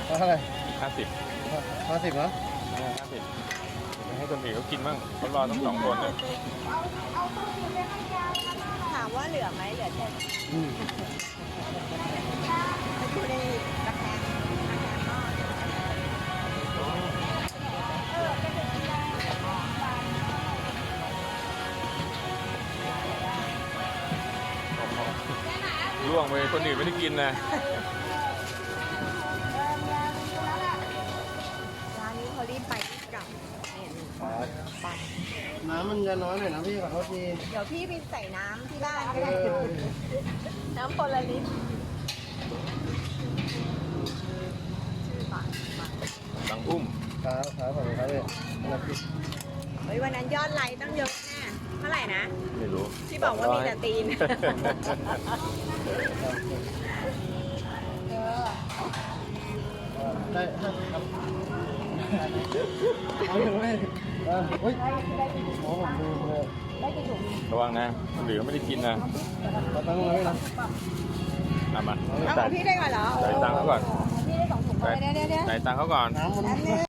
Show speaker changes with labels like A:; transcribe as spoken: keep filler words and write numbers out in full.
A: เท่าไหร่
B: ห้าสิบ
A: ห้าสิบเหรอ
B: ห้าสิบให้คนอื่นเขากินบ้างเขารอทั้งสองคนเนี่ย
C: ถามว่าเหลือไหมเหลือแค่
A: อืม
C: ไปดูในตะแคงตะแคงหม้อ
B: ล่วงไปคนอื่นไม่ได้กินนะ
C: ร้านนี้เขารีบไปรีบกลับเนี่ยไป
A: น้ำมันจะน้อยหน่อยนะพี่ขอโทษที
C: เดี๋ยวพี่ไปใส่น้ำที่บ้านก็
A: เอ
C: ได้
A: อ
C: น้ำคนละลิตรชื่อฝากฝาก
B: บางอุ้ม
A: ครับครับขอบคุณครับพี่นะพี่
C: เฮ้ยวันนั้นยอดไลค์ตั้งเยอะแน่เท่าไหร่นะ
B: ไม่รู้
C: ที่บอกว่ามีแต่ตีน เออ
A: ได้ครับเอาอยู่ไหมเออเฮ้ยหมอผมดูเลย
B: ระวังนะคนอื่นเขาไม่ได้กินนะ
A: เราตั้งไว้นะ
B: เอามา
C: เอาของพี่ได้ก่อนเหรอ
B: จ่ายตังค์เขาก่อน
C: พี่ได้สองถุงเดี๋ยวเดี๋ยวเดี๋ยว
B: จ่ายตังค์เขาก่อน
A: น้ำมัน